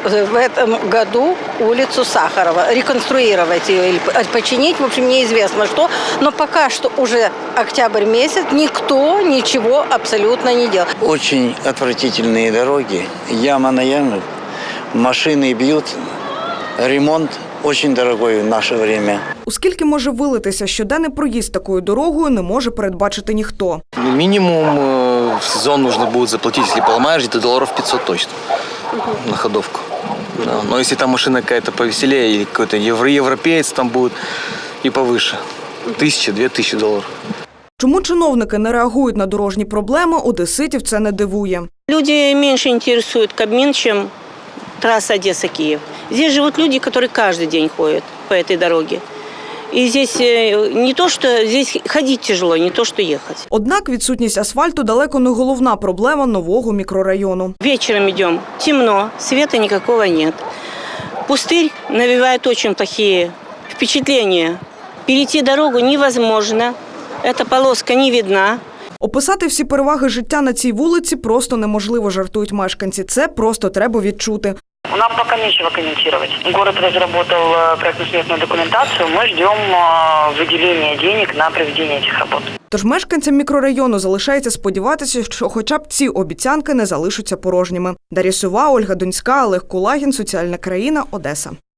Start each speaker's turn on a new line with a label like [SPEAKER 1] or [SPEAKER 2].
[SPEAKER 1] в этом году улицу Сахарова, реконструировать ее или починить, в общем, неизвестно что. Но пока что уже октябрь месяц, никто ничего абсолютно не делал.
[SPEAKER 2] Очень отвратительные дороги, яма на яму, машины бьют, ремонт очень дорогой в наше время.
[SPEAKER 3] Оскільки може вилитися щоденний проїзд такою дорогою, не може передбачити ніхто.
[SPEAKER 4] Минимум в сезон нужно будет заплатить, если поломаешь, где-то долларов 500 точно на ходовку. Да. Но если там машина какая-то повеселее или какой-то европеец там будет и повыше, 1000-2000 долларов.
[SPEAKER 3] Чому чиновники не реагують на дорожні проблеми, одеситів це не дивує.
[SPEAKER 5] Люди меньше интересуют Кабмин, чем трасса Одесса-Киев. Здесь живут люди, которые каждый день ходят по этой дороге. И здесь не то, что здесь ходить тяжело, не то, что ехать.
[SPEAKER 3] Однак відсутність асфальту далеко не головна проблема нового мікрорайону.
[SPEAKER 5] Вечером идем, темно, света никакого нет. Пустырь навевает очень плохие впечатления. Перейти дорогу невозможно, эта полоска не видна.
[SPEAKER 3] Описати всі переваги життя на цій вулиці просто неможливо, жартують мешканці. Це просто треба відчути.
[SPEAKER 6] Нам пока нечего комментировать. Город разработал проектно-сметную документацию. Мы ждем выделения денег на проведение этих работ.
[SPEAKER 3] Тож мешканцям мікрорайону залишається сподіватися, що хоча б ці обіцянки не залишаться порожніми. Дар'я Сова, Ольга Донська, Олег Кулагін, Соціальна країна, Одеса.